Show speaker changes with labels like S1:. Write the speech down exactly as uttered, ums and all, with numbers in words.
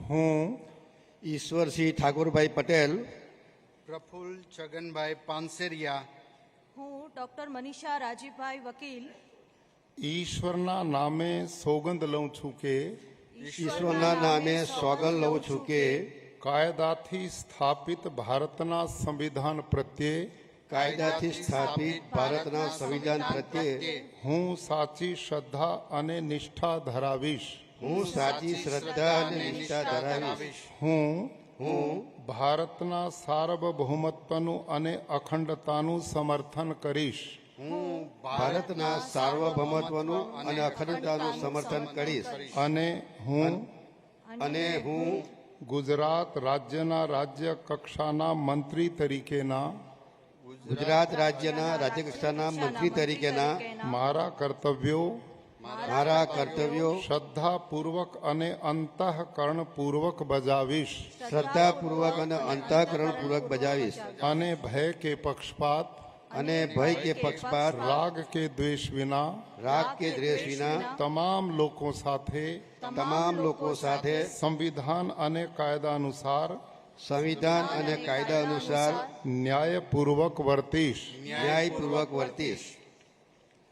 S1: હું
S2: ઈશ્વરસિંહ ઠાકોરભાઈ પટેલ
S3: પ્રફુલ્લ છગનભાઈ પાનસેરિયા
S4: હું ડોક્ટર મનીષા રાજીભાઈ વકીલ
S1: ઈશ્વરના નામે સોગંદ લઉં છું કે
S2: ઈશ્વરના નામે સોગંદ લઉં છું કે
S1: કાયદાથી સ્થાપિત ભારતના સંવિધાન પ્રત્યે
S2: કાયદાથી સ્થાપિત ભારતના સંવિધાન પ્રત્યે
S1: હું સાચી શ્રદ્ધા અને નિષ્ઠા ધરાવીશ.
S2: હું સાચી શ્રદ્ધા અને નિષ્ઠા ધરાવીશ.
S1: હું
S2: હું
S1: ભારતના સાર્વભૌમત્વનું અને અખંડતાનું સમર્થન કરીશ.
S2: હું ભારતના સાર્વભૌમત્વનું અને અખંડતાનું સમર્થન કરીશ.
S1: અને હું
S2: અને હું
S1: ગુજરાત રાજ્યના રાજ્ય કક્ષાના મંત્રી તરીકેના
S2: ગુજરાત રાજ્યના રાજ્યકક્ષાના મંત્રી તરીકેના
S1: મારા કર્તવ્યો
S2: મારા કર્તવ્યો
S1: શ્રદ્ધાપૂર્વક અને અંતઃકરણપૂર્વક બજાવીશ.
S2: શ્રદ્ધાપૂર્વક અને અંતઃકરણપૂર્વક બજાવીશ.
S1: અને ભય કે પક્ષપાત
S2: અને ભય કે પક્ષપાત
S1: રાગ કે દ્વેષ વિના
S2: રાગ કે દ્વેષ વિના
S1: તમામ લોકો સાથે
S2: તમામ લોકો સાથે
S1: સંવિધાન અને કાયદા અનુસાર
S2: સંવિધાન અને કાયદા અનુસાર
S1: ન્યાયપૂર્વક વર્તીશ.
S2: ન્યાયપૂર્વક વર્તીશ.